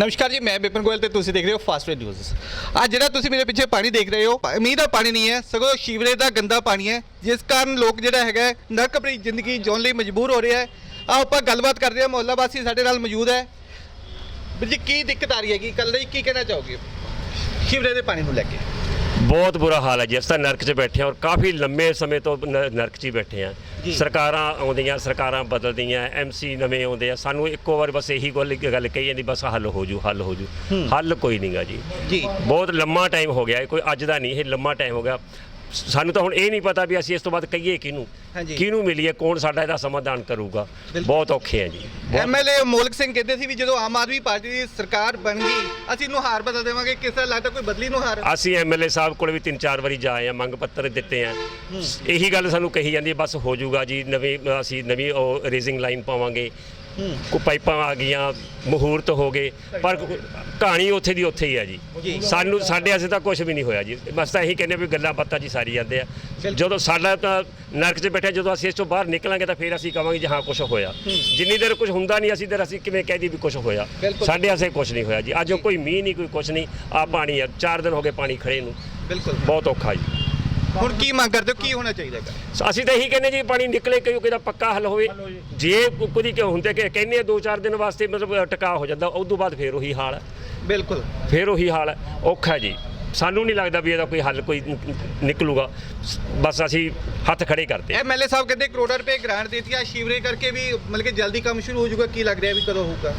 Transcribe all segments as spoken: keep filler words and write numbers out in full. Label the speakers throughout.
Speaker 1: नमस्कार जी, मैं विपिन गोयल ते तुसी देख रहे हो फास्ट वे न्यूज़। आज ਜਿਹੜਾ ਤੁਸੀਂ ਮੇਰੇ ਪਿੱਛੇ ਪਾਣੀ ਦੇਖ ਰਹੇ ਹੋ, ਮੀਂਹ ਦਾ ਪਾਣੀ ਨਹੀਂ ਹੈ, ਸਗੋਂ ਸੀਵਰੇਜ ਦਾ ਗੰਦਾ ਪਾਣੀ ਹੈ, ਜਿਸ ਕਾਰਨ ਲੋਕ ਜਿਹੜਾ ਹੈਗਾ ਨਰਕ ਭਰੀ ਜ਼ਿੰਦਗੀ ਜਿਉਣ ਲਈ ਮਜਬੂਰ ਹੋ ਰਿਹਾ ਹੈ। ਆਓ ਆਪਾਂ ਗੱਲਬਾਤ ਕਰਦੇ ਹਾਂ, ਮੁਹੱਲਾ ਵਾਸੀ ਸਾਡੇ ਨਾਲ ਮੌਜੂਦ ਹੈ। ਵੀਰ ਜੀ, ਕੀ ਦਿੱਕਤ ਆ ਰਹੀ ਹੈ? ਕੀ ਕੱਲ ਲਈ ਕੀ ਕਹਿਣਾ ਚਾਹੋਗੇ ਸੀਵਰੇਜ ਦੇ ਪਾਣੀ ਨੂੰ ਲੈ ਕੇ?
Speaker 2: ਬਹੁਤ ਬੁਰਾ ਹਾਲ ਹੈ ਜੀ। ਅਸੀਂ ਤਾਂ ਨਰਕ 'ਚ ਬੈਠੇ ਹਾਂ ਔਰ ਕਾਫੀ ਲੰਮੇ ਸਮੇਂ ਤੋਂ ਨ- ਨਰਕ 'ਚ ਹੀ ਬੈਠੇ ਹਾਂ। ਸਰਕਾਰਾਂ ਆਉਂਦੀਆਂ, ਸਰਕਾਰਾਂ ਬਦਲਦੀਆਂ, ਐਮ ਸੀ ਨਵੇਂ ਆਉਂਦੇ ਆ, ਸਾਨੂੰ ਇੱਕੋ ਵਾਰ ਬਸ ਇਹੀ ਗੱਲ ਗੱਲ ਕਹੀ ਜਾਂਦੀ, ਬਸ ਹੱਲ ਹੋ ਜੂ ਹੱਲ ਹੋ ਜੂ। ਹੱਲ ਕੋਈ ਨਹੀਂਗਾ ਜੀ।
Speaker 1: ਜੀ
Speaker 2: ਬਹੁਤ ਲੰਮਾ ਟਾਈਮ ਹੋ ਗਿਆ, ਕੋਈ ਅੱਜ ਦਾ ਨਹੀਂ, ਇਹ ਲੰਮਾ ਟਾਈਮ ਹੋ ਗਿਆ। ਸਾਨੂੰ ਤਾਂ ਹੁਣ ਇਹ ਨਹੀਂ ਪਤਾ ਵੀ ਅਸੀਂ ਇਸ ਤੋਂ ਬਾਅਦ ਕਹੀਏ ਕਿਹਨੂੰ ਕਿਹਨੂੰ ਮਿਲੀਏ, ਕੌਣ ਸਾਡਾ ਇਹਦਾ ਸਮਾਧਾਨ ਕਰੂਗਾ। ਬਹੁਤ ਔਖੇ ਆ ਜੀ।
Speaker 1: M L A Molak Singh ਕਹਿੰਦੇ ਸੀ ਵੀ ਜਦੋਂ ਆਮ ਆਦਮੀ ਪਾਰਟੀ ਦੀ ਸਰਕਾਰ ਬਣ ਗਈ ਅਸੀਂ ਨੁਹਾਰ ਬਦਲ ਦੇਵਾਂਗੇ। ਕਿਸ ਤਰ੍ਹਾਂ ਲੱਗਦਾ, ਕੋਈ ਬਦਲੀ ਨੁਹਾਰ?
Speaker 2: ਅਸੀਂ ਐਮ ਐਲ ਏ ਸਾਹਿਬ ਕੋਲ ਵੀ ਤਿੰਨ ਚਾਰ ਵਾਰੀ ਜਾ ਆਏ ਆ, ਮੰਗ ਪੱਤਰ ਦਿੱਤੇ ਆ। ਇਹੀ ਗੱਲ ਸਾਨੂੰ ਕਹੀ ਜਾਂਦੀ ਹੈ, ਬਸ ਹੋ ਜਾਊਗਾ ਜੀ, ਨਵੀਂ ਅਸੀਂ ਨਵੀਂ ਉਹ ਰੇਜ਼ਿੰਗ ਲਾਈਨ ਪਾਵਾਂਗੇ, ਕੋ ਪਾਈਪਾਂ ਆ ਗਈਆਂ, ਮਹੂਰਤ ਹੋ ਗਏ, ਪਰ ਕਹਾਣੀ ਉੱਥੇ ਦੀ ਉੱਥੇ ਹੀ ਆ ਜੀ। ਸਾਨੂੰ ਸਾਡੇ ਅਸੀਂ ਤਾਂ ਕੁਝ ਵੀ ਨਹੀਂ ਹੋਇਆ ਜੀ। ਬਸ ਤਾਂ ਇਹੀ ਕਹਿੰਦੇ ਵੀ ਗੱਲਾਂ ਬਾਤਾਂ ਜੀ ਸਾਰੀ ਜਾਂਦੇ ਆ। ਜਦੋਂ ਸਾਡਾ ਤਾਂ ਨਰਕ 'ਚ ਬੈਠੇ, ਜਦੋਂ ਅਸੀਂ ਇਸ ਤੋਂ ਬਾਹਰ ਨਿਕਲਾਂਗੇ ਤਾਂ ਫਿਰ ਅਸੀਂ ਕਹਾਂਗੇ ਜੀ ਹਾਂ ਕੁਝ ਹੋਇਆ। ਜਿੰਨੀ ਦੇਰ ਕੁਝ ਹੁੰਦਾ ਨਹੀਂ ਅਸੀਂ ਦੇਰ ਅਸੀਂ ਕਿਵੇਂ ਕਹਿ ਦੀ ਵੀ ਕੁਝ ਹੋਇਆ? ਸਾਡੇ ਵਾਸਤੇ ਕੁਝ ਨਹੀਂ ਹੋਇਆ ਜੀ। ਅੱਜ ਕੋਈ ਮੀਂਹ ਨਹੀਂ, ਕੋਈ ਕੁਝ ਨਹੀਂ, ਆ ਪਾਣੀ ਆ। ਚਾਰ ਦਿਨ ਹੋ ਗਏ ਪਾਣੀ ਖੜੇ ਨੂੰ। ਬਿਲਕੁਲ ਬਹੁਤ ਔਖਾ ਜੀ।
Speaker 1: ਹੁਣ ਕੀ ਮੰਗ ਕਰਦੇ ਹੋ, ਕੀ ਹੋਣਾ ਚਾਹੀਦਾ ਹੈ?
Speaker 2: ਅਸੀਂ ਤਾਂ ਇਹੀ ਕਹਿੰਦੇ ਜੀ ਪਾਣੀ ਨਿਕਲੇ, ਕਿਉਂਕਿ ਇਹਦਾ ਪੱਕਾ ਹੱਲ ਹੋਵੇ। ਜੇ ਕੋਈ ਕਿਉਂ ਹੁੰਦੇ ਕਿ ਕਹਿੰਦੇ ਆ ਦੋ ਚਾਰ ਦਿਨ ਵਾਸਤੇ ਮਤਲਬ ਟਿਕਾ ਹੋ ਜਾਂਦਾ, ਉਸ ਤੋਂ ਬਾਅਦ ਫੇਰ ਉਹੀ ਹਾਲ ਹੈ।
Speaker 1: ਬਿਲਕੁਲ
Speaker 2: ਫੇਰ ਉਹੀ ਹਾਲ ਹੈ, ਔਖਾ ਜੀ। ਸਾਨੂੰ ਨਹੀਂ ਲੱਗਦਾ ਵੀ ਇਹਦਾ ਕੋਈ ਹੱਲ ਕੋਈ ਨਿਕਲੂਗਾ। ਬਸ ਅਸੀਂ ਹੱਥ ਖੜੇ ਕਰਦੇ।
Speaker 1: ਐਮ ਐਲ ਏ ਸਾਹਿਬ ਕਹਿੰਦੇ ਕਰੋੜਾਂ ਰੁਪਏ ਗ੍ਰਾਂਟ ਦਿੱਤੀ ਆ ਸੀਵਰੇਜ ਕਰਕੇ ਵੀ, ਮਤਲਬ ਕਿ ਜਲਦੀ ਕੰਮ ਸ਼ੁਰੂ ਹੋ ਜਾਊਗਾ। ਕੀ ਲੱਗ ਰਿਹਾ ਵੀ ਕਦੋਂ ਹੋਊਗਾ?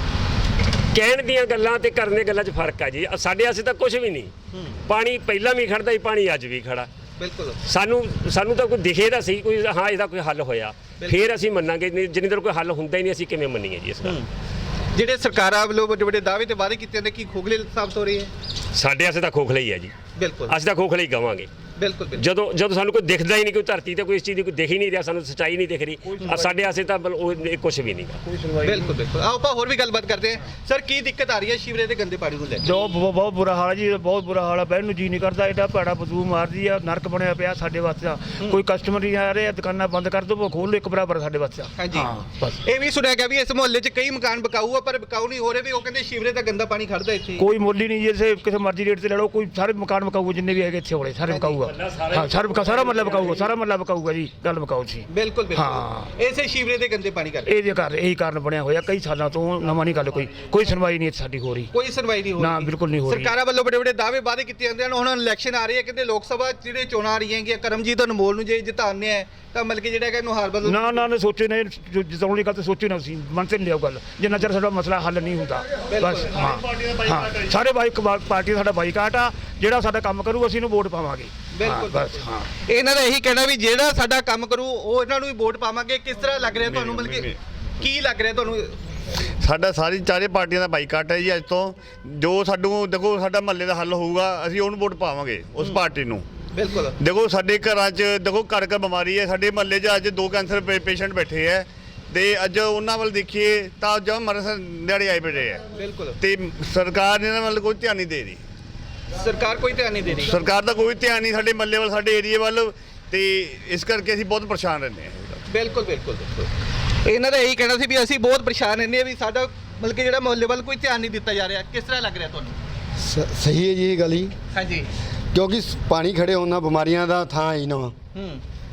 Speaker 2: ਕਹਿਣ ਦੀਆਂ ਗੱਲਾਂ ਤੇ ਕਰਨ ਦੀਆਂ ਗੱਲਾਂ 'ਚ ਫਰਕ ਹੈ ਜੀ। ਸਾਡੇ ਵਾਸਤੇ ਤਾਂ ਕੁਝ ਵੀ ਨਹੀਂ। ਪਾਣੀ ਪਹਿਲਾਂ ਵੀ ਖੜਦਾ ਸੀ, ਪਾਣੀ ਅੱਜ ਵੀ ਖੜਾ। ਬਿਲਕੁਲ ਸਾਨੂੰ ਸਾਨੂੰ ਤਾਂ ਕੋਈ ਦਿਖੇ ਤਾਂ ਸਹੀ ਕੋਈ ਹਾਂ ਇਹਦਾ ਕੋਈ ਹੱਲ ਹੋਇਆ, ਫਿਰ ਅਸੀਂ ਮੰਨਾਂਗੇ। ਜਿੰਨੀ ਦੇਰ ਕੋਈ ਹੱਲ ਹੁੰਦਾ ਹੀ ਨਹੀਂ ਅਸੀਂ ਕਿਵੇਂ ਮੰਨੀਏ ਜੀ ਇਸ ਗੱਲ?
Speaker 1: ਜਿਹੜੇ ਸਰਕਾਰਾਂ ਵੱਲੋਂ ਵੱਡੇ ਵੱਡੇ ਦਾਅਵੇ ਤੇ ਵਾਅਦੇ ਕੀਤੇ ਜਾਂਦੇ, ਕੀ ਖੋਖਲੇ ਸਾਬਤ ਹੋ ਰਹੇ ਹੈ?
Speaker 2: ਸਾਡੇ ਵਾਸਤੇ ਤਾਂ ਖੋਖਲਾ ਹੀ ਹੈ ਜੀ।
Speaker 1: ਬਿਲਕੁਲ
Speaker 2: ਅਸੀਂ ਤਾਂ ਖੋਖਲਾ ਹੀ ਕਹਾਂਗੇ।
Speaker 1: ਬਿਲਕੁਲ
Speaker 2: ਜਦੋਂ ਜਦੋਂ ਸਾਨੂੰ ਕੋਈ ਦਿਖਦਾ ਹੀ ਨਹੀਂ, ਕੋਈ ਧਰਤੀ ਤੇ ਕੋਈ ਇਸ ਚੀਜ਼ ਦੀ ਕੋਈ ਦਿਖ ਹੀ ਨਹੀਂ ਰਿਹਾ, ਸਾਨੂੰ ਸੱਚਾਈ ਨਹੀਂ ਦਿਖ ਰਹੀ, ਸਾਡੇ ਵਾਸਤੇ ਤਾਂ ਕੁਝ ਵੀ ਨਹੀਂ ਗਾ।
Speaker 1: ਬਿਲਕੁਲ ਬਿਲਕੁਲ ਆਓ ਆਪਾਂ ਹੋਰ ਵੀ ਗੱਲਬਾਤ ਕਰਦੇ ਹਾਂ। ਸਰ, ਕੀ ਦਿੱਕਤ ਆ ਰਹੀ ਹੈ ਸੀਵਰੇਜ ਦੇ ਗੰਦੇ ਪਾਣੀ ਨੂੰ ਲੈ ਕੇ?
Speaker 3: ਜੋ ਬਹੁਤ ਬੁਰਾ ਹਾਲ ਹੈ ਜੀ, ਬਹੁਤ ਬੁਰਾ ਹਾਲ ਹੈ। ਬਹਿਣ ਨੂੰ ਜੀ ਨਹੀਂ ਕਰਦਾ, ਐਡਾ ਭੈੜਾ ਬਦਬੂ ਮਾਰਦੀ ਆ। ਨਰਕ ਬਣਿਆ ਪਿਆ ਸਾਡੇ ਵਾਸਤੇ। ਕੋਈ ਕਸਟਮਰ ਨਹੀਂ ਆ ਰਹੇ, ਦੁਕਾਨਾਂ ਬੰਦ ਕਰ ਦੋ, ਖੋਲ ਲੋ, ਇੱਕ ਬਰਾਬਰ ਸਾਡੇ ਵਾਸਤੇ।
Speaker 1: ਹਾਂਜੀ, ਇਹ ਵੀ ਸੁਣਿਆ ਗਿਆ ਵੀ ਇਸ ਮੁਹੱਲੇ 'ਚ ਕਈ ਮਕਾਨ ਬਕਾਊ ਆ, ਪਰ ਬਕਾਊ ਨਹੀਂ ਹੋ ਰਹੇ ਵੀ। ਉਹ ਕਹਿੰਦੇ ਸੀਵਰੇਜ ਦਾ ਗੰਦਾ ਪਾਣੀ ਖੜਦਾ ਇੱਥੇ।
Speaker 3: ਕੋਈ ਮੁੱਲ ਹੀ ਨਹੀਂ ਜੀ, ਇਸੇ ਕਿਸੇ ਮਰਜ਼ੀ ਰੇਟ ਤੇ ਲੈ ਲਓ। ਕੋਈ ਸਾਰੇ ਮਕਾਨ ਬਕਾਊ ਜਿੰਨੇ ਵੀ ਹੈਗੇ ਇੱਥੇ ਹੋਲੇ ਸਾਰੇ ਬਕਾਊਗਾ। ਹਾਂ, ਸਾਰੇ ਸਾਰਾ ਮਤਲਬ ਬਕਾਊਗਾ, ਸਾਰਾ ਮਤਲਬ ਬਕਾਊਗਾ ਜੀ। ਗੱਲ ਬਕਾਊ ਸੀ।
Speaker 1: ਬਿਲਕੁਲ ਬਿਲਕੁਲ
Speaker 3: ਹਾਂ,
Speaker 1: ਇਸੇ ਸੀਵਰੇਜ ਦੇ ਗੰਦੇ ਪਾਣੀ ਕਰਕੇ
Speaker 3: ਇਹਦੇ ਘਰ ਇਹੀ ਕਾਰਨ ਬਣਿਆ ਹੋਇਆ ਕਈ ਸਾਲਾਂ ਤੋਂ। ਨਵਾਂ ਨਹੀਂ ਗੱਲ, ਕੋਈ ਕੋਈ ਸੁਣਵਾਈ ਨਹੀਂ ਸਾਡੀ ਹੋ ਰਹੀ।
Speaker 1: ਕੋਈ ਸੁਣਵਾਈ ਨਹੀਂ ਹੋ ਰਹੀ
Speaker 3: ਨਾ, ਬਿਲਕੁਲ ਨਹੀਂ ਹੋ ਰਹੀ।
Speaker 1: ਸਰਕਾਰਾਂ ਵੱਲੋਂ ਬੜੇ ਬੜੇ ਦਾਅਵੇ ਵਾਅਦੇ ਕੀਤੇ ਜਾਂਦੇ ਹਨ। ਹੁਣ ਇਲੈਕਸ਼ਨ ਆ ਰਹੀ ਹੈ, ਕਹਿੰਦੇ ਲੋਕ ਸਭਾ ਜਿਹੜੇ ਚੋਣਾਂ ਆ ਰਹੀਆਂ ਹੈਗੀਆਂ, ਕਰਮਜੀਤ ਅਨਮੋਲ ਨੂੰ ਜੇ ਜਿਤਾਉਂਦੇ ਆ ਤਾਂ ਮਤਲਬ ਕਿ ਜਿਹੜਾ ਹੈਗਾ ਨੁਹਾਰ ਬਦਲ।
Speaker 3: ਨਾ ਨਾ ਸੋਚੇ ਨੇ, ਜਿਤਾਉਣ ਦੀ ਗੱਲ ਤਾਂ ਸੋਚੀ ਨਾ ਸੀ, ਮਨ ਤੇ ਲਿਆਓ ਗੱਲ। ਜਿੰਨਾ ਚਿਰ ਸਾਡਾ ਮਸਲਾ ਹੱਲ ਨਹੀਂ ਹੁੰਦਾ ਬਸ। ਹਾਂ ਹਾਂ, ਸਾਰੇ ਬਾਈਕ ਪਾਰਟੀ ਸਾਡਾ ਬਾਈਕਾਟ ਆ। ਜਿਹੜਾ ਸਾਡਾ ਕੰਮ ਕਰੂ ਅਸੀਂ ਇਹਨੂੰ ਵੋਟ ਪਾਵਾਂਗੇ।
Speaker 1: ਬਿਲਕੁਲ
Speaker 3: ਬਸ। ਹਾਂ,
Speaker 1: ਇਹਨਾਂ ਦਾ ਇਹੀ ਕਹਿਣਾ ਵੀ ਜਿਹੜਾ ਸਾਡਾ ਕੰਮ ਕਰੂ ਉਹ ਇਹਨਾਂ ਨੂੰ ਵੀ ਵੋਟ ਪਾਵਾਂਗੇ। ਕਿਸ ਤਰ੍ਹਾਂ ਲੱਗ ਰਿਹਾ ਤੁਹਾਨੂੰ, ਮਤਲਬ ਕਿ ਕੀ ਲੱਗ ਰਿਹਾ ਤੁਹਾਨੂੰ?
Speaker 4: ਸਾਡਾ ਸਾਰੀ ਚਾਰੇ ਪਾਰਟੀਆਂ ਦਾ ਬਾਈਕਾਟ ਹੈ ਜੀ ਅੱਜ ਤੋਂ। ਜੋ ਸਾਨੂੰ ਦੇਖੋ ਸਾਡਾ ਮਹੱਲੇ ਦਾ ਹੱਲ ਹੋਊਗਾ, ਅਸੀਂ ਉਹਨੂੰ ਵੋਟ ਪਾਵਾਂਗੇ, ਉਸ ਪਾਰਟੀ ਨੂੰ।
Speaker 1: ਬਿਲਕੁਲ
Speaker 4: ਦੇਖੋ ਸਾਡੇ ਘਰਾਂ 'ਚ ਦੇਖੋ ਘਰ ਘਰ ਬਿਮਾਰੀ ਹੈ। ਸਾਡੇ ਮਹੱਲੇ 'ਚ ਅੱਜ ਦੋ ਕੈਂਸਰ ਪੇਸ਼ੈਂਟ ਬੈਠੇ ਹੈ, ਤੇ ਅੱਜ ਉਹਨਾਂ ਵੱਲ ਦੇਖੀਏ ਤਾਂ ਜਦ ਮਰਨ ਦਿਹਾੜੇ ਆਏ ਬੈਠੇ ਹੈ।
Speaker 1: ਬਿਲਕੁਲ
Speaker 4: ਤੇ ਸਰਕਾਰ ਨੇ ਇਹਨਾਂ ਵੱਲ ਕੋਈ ਧਿਆਨ ਨਹੀਂ ਦੇ ਰਹੀ।
Speaker 1: ਸਰਕਾਰ ਕੋਈ ਧਿਆਨ ਨਹੀਂ ਦੇ ਰਹੀ।
Speaker 4: ਸਰਕਾਰ ਦਾ ਕੋਈ ਧਿਆਨ ਨਹੀਂ ਸਾਡੇ ਮਹੱਲੇ ਵੱਲ, ਸਾਡੇ ਏਰੀਏ ਵੱਲ, ਤੇ ਇਸ ਕਰਕੇ ਅਸੀਂ ਬਹੁਤ ਪਰੇਸ਼ਾਨ ਰਹਿੰਦੇ ਹਾਂ।
Speaker 1: ਬਿਲਕੁਲ ਬਿਲਕੁਲ ਬਿਲਕੁਲ ਇਹਨਾਂ ਦਾ ਇਹੀ ਕਹਿਣਾ ਸੀ ਵੀ ਅਸੀਂ ਬਹੁਤ ਪਰੇਸ਼ਾਨ ਰਹਿੰਦੇ ਹਾਂ ਵੀ ਸਾਡਾ ਮਤਲਬ ਕਿ ਜਿਹੜਾ ਮੁਹੱਲੇ ਵੱਲ ਕੋਈ ਧਿਆਨ ਨਹੀਂ ਦਿੱਤਾ ਜਾ ਰਿਹਾ। ਕਿਸ ਤਰ੍ਹਾਂ ਲੱਗ ਰਿਹਾ ਤੁਹਾਨੂੰ?
Speaker 5: ਸਹੀ ਹੈ ਜੀ ਇਹ ਗੱਲ ਹੀ,
Speaker 1: ਹਾਂਜੀ,
Speaker 5: ਕਿਉਂਕਿ ਪਾਣੀ ਖੜੇ ਹੋਣਾ ਬਿਮਾਰੀਆਂ ਦਾ ਥਾਂ ਹੀ ਨਾ।
Speaker 1: ਹੂੰ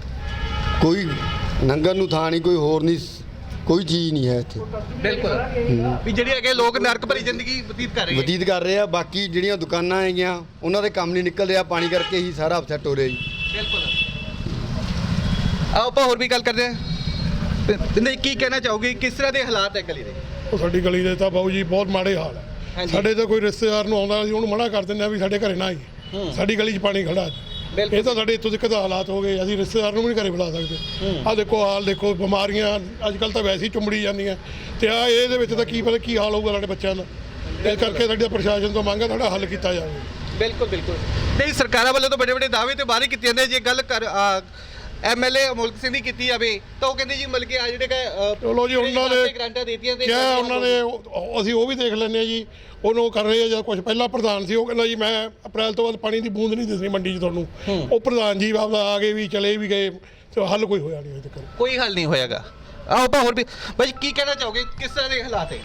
Speaker 5: ਕੋਈ ਲੰਘਣ ਨੂੰ ਥਾਂ ਨਹੀਂ, ਕੋਈ ਹੋਰ ਨਹੀਂ, ਕੋਈ ਚੀਜ਼ ਨਹੀਂ ਹੈ ਇੱਥੇ।
Speaker 1: ਬਿਲਕੁਲ ਵੀ ਜਿਹੜੇ ਹੈਗੇ ਲੋਕ ਨਰਕ ਭਰੀ ਜ਼ਿੰਦਗੀ ਬਤੀਤ ਕਰ ਰਹੇ
Speaker 5: ਬਤੀਤ ਕਰ ਰਹੇ ਆ। ਬਾਕੀ ਜਿਹੜੀਆਂ ਦੁਕਾਨਾਂ ਹੈਗੀਆਂ ਉਹਨਾਂ ਦੇ ਕੰਮ ਨਹੀਂ ਨਿਕਲ ਰਿਹਾ, ਪਾਣੀ ਕਰਕੇ ਹੀ ਸਾਰਾ ਅਪਸੈਟ ਹੋ ਰਿਹਾ ਜੀ।
Speaker 1: ਬਿਲਕੁਲ ਆਓ ਆਪਾਂ ਹੋਰ ਵੀ ਗੱਲ ਕਰਦੇ ਹਾਂ। ਨਹੀਂ, ਕੀ ਕਹਿਣਾ ਚਾਹੋਗੇ, ਕਿਸ ਤਰ੍ਹਾਂ ਦੇ ਹਾਲਾਤ ਹੈ ਗਲੀ ਦੇ?
Speaker 6: ਉਹ ਸਾਡੀ ਗਲੀ ਦੇ ਤਾਂ ਬਾਊ ਜੀ ਬਹੁਤ ਮਾੜੇ ਹਾਲ ਹੈ। ਸਾਡੇ ਤਾਂ ਕੋਈ ਰਿਸ਼ਤੇਦਾਰ ਨੂੰ ਆਉਂਦਾ ਅਸੀਂ ਉਹਨੂੰ ਮਨਾ ਕਰ ਦਿੰਦੇ ਆ ਵੀ ਸਾਡੇ ਘਰੇ ਨਾ ਆਈ, ਸਾਡੀ ਗਲੀ 'ਚ ਪਾਣੀ ਖੜਾ। ਇਹ ਤਾਂ ਸਾਡੇ ਇੱਥੋਂ ਤੱਕ ਹਾਲਾਤ ਹੋ ਗਏ, ਅਸੀਂ ਰਿਸ਼ਤੇਦਾਰ ਨੂੰ ਵੀ ਨਹੀਂ ਘਰੇ ਬੁਲਾ ਸਕਦੇ। ਆਹ ਦੇਖੋ ਹਾਲ ਦੇਖੋ, ਬਿਮਾਰੀਆਂ ਅੱਜ ਕੱਲ੍ਹ ਤਾਂ ਵੈਸੇ ਹੀ ਚੁੰਬੜੀ ਜਾਂਦੀਆਂ, ਤੇ ਆ ਇਹਦੇ ਵਿੱਚ ਤਾਂ ਕੀ ਪਤਾ ਕੀ ਹਾਲ ਹੋਊਗਾ ਸਾਡੇ ਬੱਚਿਆਂ ਦਾ। ਇਸ ਕਰਕੇ ਸਾਡੀ ਪ੍ਰਸ਼ਾਸਨ ਤੋਂ ਮੰਗ ਹੈ ਸਾਡਾ ਹੱਲ ਕੀਤਾ ਜਾਵੇ।
Speaker 1: ਬਿਲਕੁਲ ਬਿਲਕੁਲ ਨਹੀਂ, ਸਰਕਾਰਾਂ ਵੱਲੋਂ ਤਾਂ ਬੜੇ ਬੜੇ ਦਾਅਵੇ ਤੇ ਵਾਅਦੇ ਕੀਤੇ ਜਾਂਦੇ। ਜੇ ਗੱਲ ਕਰ M L A Molak Singh ਦੀ ਕੀਤੀ ਜਾਵੇ ਤਾਂ ਉਹ ਕਹਿੰਦੇ ਜੀ ਮਤਲਬ ਕਿ ਆ ਜਿਹੜੇ
Speaker 6: ਚਲੋ ਜੀ ਉਹਨਾਂ ਨੇ
Speaker 1: ਗ੍ਰਾਂਟਾਂ ਦਿੱਤੀਆਂ ਤੇ
Speaker 6: ਕਿਹਾ, ਉਹਨਾਂ ਨੇ ਅਸੀਂ ਉਹ ਵੀ ਦੇਖ ਲੈਂਦੇ ਹਾਂ ਜੀ। ਉਹਨੂੰ ਕਰ ਰਹੇ ਆ ਜਾਂ ਕੁਝ ਪਹਿਲਾਂ ਪ੍ਰਧਾਨ ਸੀ, ਉਹ ਕਹਿੰਦਾ ਜੀ ਮੈਂ ਅਪ੍ਰੈਲ ਤੋਂ ਬਾਅਦ ਪਾਣੀ ਦੀ ਬੂੰਦ ਨਹੀਂ ਦਿਸਣੀ ਮੰਡੀ 'ਚ ਤੁਹਾਨੂੰ। ਉਹ ਪ੍ਰਧਾਨ ਜੀ ਆਪਦਾ ਆ ਗਏ ਵੀ ਚਲੇ ਵੀ ਗਏ, ਤੇ ਹੱਲ ਕੋਈ ਹੋਇਆ ਨਹੀਂ ਅਜੇ ਤੱਕ।
Speaker 1: ਕੋਈ ਹੱਲ ਨਹੀਂ ਹੋਇਆਗਾ। ਆਓ ਆਪਾਂ ਹੋਰ ਵੀ ਭਾਈ ਕੀ ਕਹਿਣਾ ਚਾਹੋਗੇ, ਕਿਸ ਤਰ੍ਹਾਂ ਦੇ ਹਾਲਾਤ ਹੈ?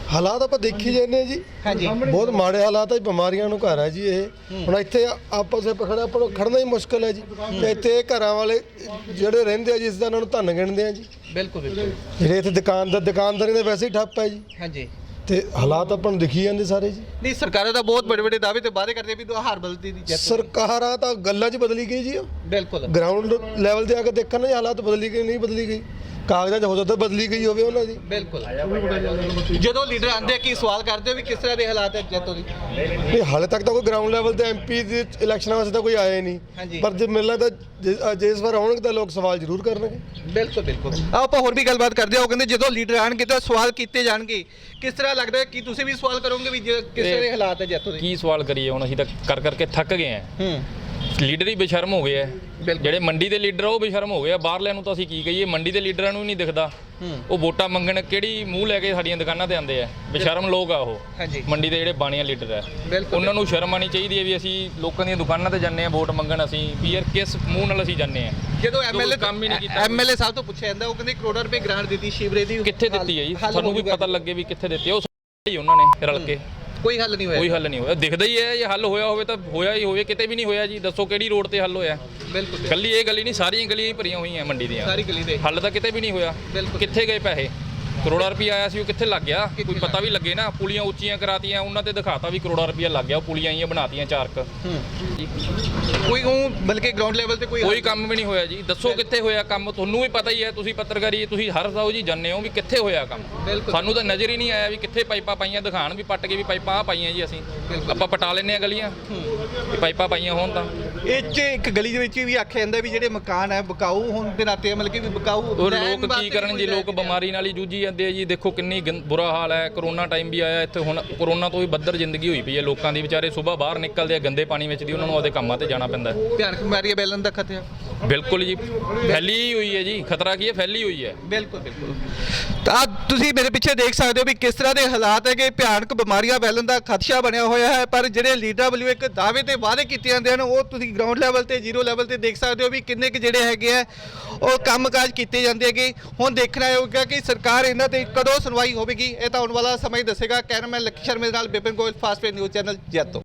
Speaker 5: ਹਾਲਾਤ ਆਪਾਂ ਦੇਖੀ ਜਾਂਦੇ ਜੀ
Speaker 1: ਹਾਂਜੀ
Speaker 5: ਬਹੁਤ ਮਾੜੇ ਹਾਲਾਤ ਹੈ, ਬਿਮਾਰੀਆਂ ਨੂੰ ਘਰ ਹੈ ਜੀ ਇਹ। ਹੁਣ ਇੱਥੇ ਆਪਸ ਵਿੱਚ ਖੜਾ ਆਪਾਂ ਨੂੰ ਖੜਨਾ ਹੀ ਮੁਸ਼ਕਲ ਹੈ ਜੀ। ਤੇ ਇੱਥੇ ਘਰਾਂ ਵਾਲੇ ਜਿਹੜੇ ਰਹਿੰਦੇ ਆ ਜੀ, ਇਸ ਦਾ ਇਹਨਾਂ ਨੂੰ ਧੰਨ ਗਿਣਦੇ ਆ ਜੀ।
Speaker 1: ਬਿਲਕੁਲ ਬਿਲਕੁਲ
Speaker 5: ਜਿਹੜੇ ਇੱਥੇ ਦੁਕਾਨਦਾਰ ਦੁਕਾਨਦਾਰੀ ਦੇ ਵੈਸੇ ਹੀ ਠੱਪ ਹੈ ਜੀ।
Speaker 1: ਹਾਂਜੀ
Speaker 5: ਤੇ ਹਾਲਾਤ ਆਪਾਂ ਨੂੰ ਦਿਖੀ ਜਾਂਦੇ ਸਾਰੇ ਜੀ।
Speaker 1: ਨਹੀਂ, ਸਰਕਾਰਾਂ ਤਾਂ ਬਹੁਤ ਵੱਡੇ ਵੱਡੇ ਦਾਅਵੇ ਤੇ ਵਾਅਦੇ ਕਰਦੇ ਵੀ ਦੋ ਹਾਰ ਬਦਲਦੀ ਦੀ ਜਿੱਤ।
Speaker 5: ਸਰਕਾਰਾਂ ਤਾਂ ਗੱਲਾਂ 'ਚ ਬਦਲੀ ਗਈ ਜੀ।
Speaker 1: ਬਿਲਕੁਲ
Speaker 5: ਗਰਾਊਂਡ ਲੈਵਲ ਤੇ ਆ ਕੇ ਦੇਖਣ ਨਾ ਜੀ ਹਾਲਾਤ ਬਦਲੀ ਗਈ ਨਹੀਂ ਬਦਲੀ ਗਈ, ਕਾਗਜ਼ਾਂ 'ਚ ਹੋ ਸਕਦਾ ਬਦਲੀ ਗਈ ਹੋਵੇ ਉਹਨਾਂ ਦੀ।
Speaker 1: ਬਿਲਕੁਲ ਜਦੋਂ ਲੀਡਰ ਆਉਂਦੇ ਆ ਕੀ ਸਵਾਲ ਕਰਦੇ ਹੋ ਵੀ ਕਿਸ ਤਰ੍ਹਾਂ ਦੇ ਹਾਲਾਤ ਹੈ ਜੈਤੋ ਦੀ?
Speaker 5: ਨਹੀਂ ਹਾਲੇ ਤੱਕ ਤਾਂ ਕੋਈ ਗਰਾਊਂਡ ਲੈਵਲ ਤੇ ਐਮਪੀ ਦੇ ਇਲੈਕਸ਼ਨਾਂ ਵਾਸਤੇ ਤਾਂ ਕੋਈ ਆਇਆ ਹੀ
Speaker 1: ਹਾਂਜੀ।
Speaker 5: ਨਹੀਂ, ਪਰ ਜੇ ਮਿਲਣਾ ਤਾਂ ਜੇ- ਜੇ ਇਸ ਵਾਰ ਆਉਣਗੇ ਤਾਂ ਲੋਕ ਸਵਾਲ ਜ਼ਰੂਰ ਕਰਨਗੇ।
Speaker 1: ਬਿਲਕੁਲ ਬਿਲਕੁਲ ਆਓ ਆਪਾਂ ਹੋਰ ਵੀ ਗੱਲਬਾਤ ਕਰਦੇ ਹਾਂ। ਉਹ ਕਹਿੰਦੇ ਜਦੋਂ ਲੀਡਰ ਆਣਗੇ ਤਾਂ ਸਵਾਲ ਕੀਤੇ ਜਾਣਗੇ। ਕਿਸ ਤਰ੍ਹਾਂ ਲੱਗਦਾ ਹੈ ਕਿ ਤੁਸੀਂ ਵੀ ਸਵਾਲ ਕਰੋਗੇ ਵੀ ਜੇ ਕਿਸ ਤਰ੍ਹਾਂ ਦੇ ਹਾਲਾਤ ਹੈ ਜੈਤੋ ਦੇ?
Speaker 7: ਕੀ ਸਵਾਲ ਕਰੀਏ ਹੁਣ, ਅਸੀਂ ਤਾਂ ਕਰ ਕਰਕੇ ਥੱਕ ਗਏ ਆ।
Speaker 1: ਹੂੰ
Speaker 7: ਲੀਡਰ ਹੀ ਬੇਸ਼ਰਮ ਹੋ ਗਏ ਆ।
Speaker 1: ਬਿਲਕੁਲ।
Speaker 7: ਜਿਹੜੇ ਮੰਡੀ ਦੇ ਲੀਡਰ ਆ ਉਹ ਬੇਸ਼ਰਮ ਹੋ ਗਏ ਆ। ਬਾਹਰਲਿਆਂ ਨੂੰ ਤਾਂ ਅਸੀਂ ਕੀ ਕਹੀਏ, ਮੰਡੀ ਦੇ ਲੀਡਰਾਂ ਨੂੰ ਹੀ ਨਹੀਂ ਦਿਖਦਾ।
Speaker 1: ਹੂੰ
Speaker 7: ਉਹ ਵੋਟਾਂ ਮੰਗਣ ਕਿਹੜੀ ਮੂੰਹ ਲੈ ਕੇ ਸਾਡੀਆਂ ਦੁਕਾਨਾਂ ਤੇ ਆਉਂਦੇ ਆ। ਬੇਸ਼ਰਮ ਲੋਕ ਆ ਉਹ
Speaker 1: ਹਾਂਜੀ
Speaker 7: ਮੰਡੀ ਦੇ ਜਿਹੜੇ ਬਾਣੀਆਂ ਲੀਡਰ ਆ।
Speaker 1: ਬਿਲਕੁਲ
Speaker 7: ਉਹਨਾਂ ਨੂੰ ਸ਼ਰਮ ਆਣੀ ਚਾਹੀਦੀ ਹੈ ਵੀ ਅਸੀਂ ਲੋਕਾਂ ਦੀਆਂ ਦੁਕਾਨਾਂ ਤੇ ਜਾਂਦੇ ਆ ਵੋਟ ਮੰਗਣ। ਅਸੀਂ ਵੀ ਯਾਰ ਕਿਸ ਮੂੰਹ ਨਾਲ ਅਸੀਂ ਜਾਂਦੇ ਆ।
Speaker 1: ਜਦੋਂ ਐਮਐਲਏ
Speaker 7: ਕੰਮ ਹੀ ਨਹੀਂ ਕੀਤਾ।
Speaker 1: ਐਮਐਲਏ ਸਾਹਿਬ ਤੋਂ ਪੁੱਛਿਆ ਜਾਂਦਾ ਉਹ ਕਹਿੰਦੇ ਕਰੋੜਾਂ ਰੁਪਏ ਗ੍ਰਾਂਟ ਦਿੱਤੀ ਸ਼ਿਵਰੇ ਦੀ।
Speaker 7: ਕਿੱਥੇ ਦਿੱਤੀ ਹੈ ਜੀ?
Speaker 1: ਹੱਲ
Speaker 7: ਸਾਨੂੰ ਵੀ
Speaker 1: ਹੋਊਗਾ।
Speaker 7: ਪਤਾ ਲੱਗੇ ਵੀ ਕਿੱਥੇ ਦਿੱਤੀ ਆ। ਉਹ ਹੀ ਉਹਨਾਂ ਨੇ ਰਲ ਕੇ
Speaker 1: ਕੋਈ ਹੱਲ ਨਹੀਂ ਹੋਇਆ।
Speaker 7: ਕੋਈ ਹੱਲ ਨਹੀਂ ਹੋਇਆ। ਦਿਖਦਾ ਹੀ ਹੈ, ਇਹ ਹੱਲ ਹੋਇਆ ਹੋਵੇ ਤਾਂ ਹੋਇਆ ਹੀ ਹੋਵੇ, ਕਿਤੇ ਵੀ ਨਹੀਂ ਹੋਇਆ ਜੀ। ਦੱਸੋ ਕਿਹੜੀ ਰੋਡ ਤੇ ਹੱਲ ਹੋਇਆ?
Speaker 1: ਬਿਲਕੁਲ
Speaker 7: ਕੱਲੀ ਇਹ ਗਲੀ ਨਹੀਂ, ਸਾਰੀਆਂ ਗਲੀਆਂ ਹੀ ਭਰੀਆਂ ਹੋਈਆਂ ਮੰਡੀ ਦੀਆਂ।
Speaker 1: ਸਾਰੀ ਗਲੀ ਦੇ
Speaker 7: ਹੱਲ ਤਾਂ ਕਿਤੇ ਵੀ ਨਹੀਂ ਹੋਇਆ।
Speaker 1: ਬਿਲਕੁਲ।
Speaker 7: ਕਿੱਥੇ ਗਏ ਪੈਸੇ? ਕਰੋੜਾ ਰੁਪਇਆ ਆਇਆ ਸੀ, ਉਹ ਕਿੱਥੇ ਲੱਗ ਗਿਆ? ਕੋਈ ਪਤਾ ਵੀ ਲੱਗੇ ਨਾ। ਪੁਲੀਆਂ ਉੱਚੀਆਂ ਕਰਾਤੀਆਂ, ਉਹਨਾਂ ਤੇ ਦਿਖਾਤਾ ਵੀ ਕਰੋੜਾ ਰੁਪਇਆ ਲੱਗ ਗਿਆ। ਉਹ ਪੁਲੀਆਂ ਆਈਆਂ ਬਣਾਤੀਆਂ ਚਾਰਕ।
Speaker 1: ਕੋਈ ਉਹ ਬਲਕਿ ਗਰਾਊਂਡ ਲੈਵਲ ਤੇ ਕੋਈ
Speaker 7: ਕੋਈ ਕੰਮ ਵੀ ਨਹੀਂ ਹੋਇਆ ਜੀ। ਦੱਸੋ ਕਿੱਥੇ ਹੋਇਆ ਕੰਮ? ਤੁਹਾਨੂੰ ਵੀ ਪਤਾ ਹੀ ਹੈ, ਤੁਸੀਂ ਪੱਤਰਕਾਰੀ ਤੁਸੀਂ ਹਰ ਰੋਜ਼ ਹੀ ਜਾਂਦੇ ਹੋ ਵੀ ਕਿੱਥੇ ਹੋਇਆ ਕੰਮ।
Speaker 1: ਬਿਲਕੁਲ।
Speaker 7: ਸਾਨੂੰ ਤਾਂ ਨਜ਼ਰ ਹੀ ਨਹੀਂ ਆਇਆ ਵੀ ਕਿੱਥੇ ਪਾਈਪਾਂ ਪਾਈਆਂ। ਦਿਖਾਣ ਵੀ ਪੱਟ ਕੇ ਵੀ ਪਾਈਪਾਂ ਆ ਪਾਈਆਂ ਜੀ। ਅਸੀਂ ਆਪਾਂ ਪਟਾ ਲੈਂਦੇ ਆ ਗਲੀਆਂ ਵੀ ਪਾਈਪਾਂ ਪਾਈਆਂ ਹੋਣ ਤਾਂ।
Speaker 1: ਇਹ 'ਚ ਇੱਕ ਗਲੀ ਦੇ ਵਿੱਚ ਵੀ ਆਖਿਆ ਜਾਂਦਾ ਵੀ ਜਿਹੜੇ ਮਕਾਨ ਹੈ ਬਕਾਊ ਹੋਣ ਦੇ ਨਾਤੇ ਮਤਲਬ ਕਿ ਵੀ ਬਕਾਊ
Speaker 7: ਔਰ
Speaker 1: ਰਹਿਣ
Speaker 7: ਲੋਕ ਕੀ
Speaker 1: ਵਾਸਤੇ
Speaker 7: ਕਰਨ
Speaker 1: ਕੋਈ
Speaker 7: ਜੀ? ਲੋਕ
Speaker 1: ਰਹਿ ਨਹੀਂ
Speaker 7: ਬਿਮਾਰੀ ਨਾਲ ਹੀ ਜੂਝੀ ਜਾਂਦੇ ਆ ਜੀ। ਦੇਖੋ ਕਿੰਨੀ ਗੰ- ਬੁਰਾ ਹਾਲ ਹੈ। ਕਰੋਨਾ ਟਾਈਮ ਵੀ ਆਇਆ ਇੱਥੇ। ਹੁਣ ਕਰੋਨਾ ਤੋਂ ਵੀ ਬੱਦਰ ਜ਼ਿੰਦਗੀ ਹੋਈ ਪਈ ਹੈ ਲੋਕਾਂ ਦੀ। ਵਿਚਾਰੇ ਸਵੇਰ ਬਾਹਰ ਨਿਕਲਦੇ ਆ ਗੰਦੇ ਪਾਣੀ ਵਿੱਚ ਦੀ, ਉਹਨਾਂ ਨੂੰ ਆਪਦੇ ਕੰਮਾਂ ਤੇ ਜਾਣਾ ਪੈਂਦਾ ਹੈ।
Speaker 1: ਭਿਆਨਕ ਬਿਮਾਰੀ ਹੈ ਬੈਲਨ ਦਾ ਖਤਰਾ।
Speaker 7: ਬਿਲਕੁਲ ਜੀ, ਫੈਲੀ ਹੋਈ ਹੈ ਜੀ। ਖਤਰਾ ਕੀ ਹੈ? ਫੈਲੀ ਹੋਈ ਹੈ।
Speaker 1: ਬਿਲਕੁਲ ਬਿਲਕੁਲ ਤਾਂ ਤੁਸੀਂ ਮੇਰੇ ਪਿੱਛੇ ਦੇਖ ਸਕਦੇ ਹੋ ਵੀ ਕਿਸ ਤਰ੍ਹਾਂ ਦੇ ਹਾਲਾਤ ਹੈ ਕਿ ਭਿਆਨਕ ਬਿਮਾਰੀਆਂ ਫੈਲਣ ਦਾ ਖਦਸ਼ਾ ਬਣਿਆ ਹੋਇਆ ਹੈ। ਪਰ ਜਿਹੜੇ ਲੀਡਰਾਂ ਵੱਲੋਂ ਇੱਕ ਦਾਅਵੇ ਤੇ ਵਾਅਦੇ ਕੀਤੇ ਜਾਂਦੇ ਹਨ ਉਹ ਤੁਸੀਂ ਗਰਾਊਂਡ ਲੈਵਲ ਤੇ ਜ਼ੀਰੋ ਲੈਵਲ ਤੇ ਦੇਖ ਸਕਦੇ ਹੋ ਵੀ ਕਿੰਨੇ ਕੁ ਜਿਹੜੇ ਹੈਗੇ ਆ ਉਹ ਕੰਮਕਾਜ ਕੀਤੇ ਜਾਂਦੇ ਹੈਗੇ। ਹੁਣ ਦੇਖਣਾ ਹੋਊਗਾ ਕਿ ਸਰਕਾਰ ਇਹਨਾਂ ਤੇ ਕਦੋਂ ਸੁਣਵਾਈ ਹੋਵੇਗੀ। ਇਹ ਤਾਂ ਆਉਣ ਵਾਲਾ ਸਮਾਂ ਹੀ ਦੱਸੇਗਾ। ਕੈਮਰਾਮੈਨ ਲੱਕੀ ਸ਼ਰਮੇ ਦੇ ਨਾਲ Bipan Goyal, fast face news channel Jaito.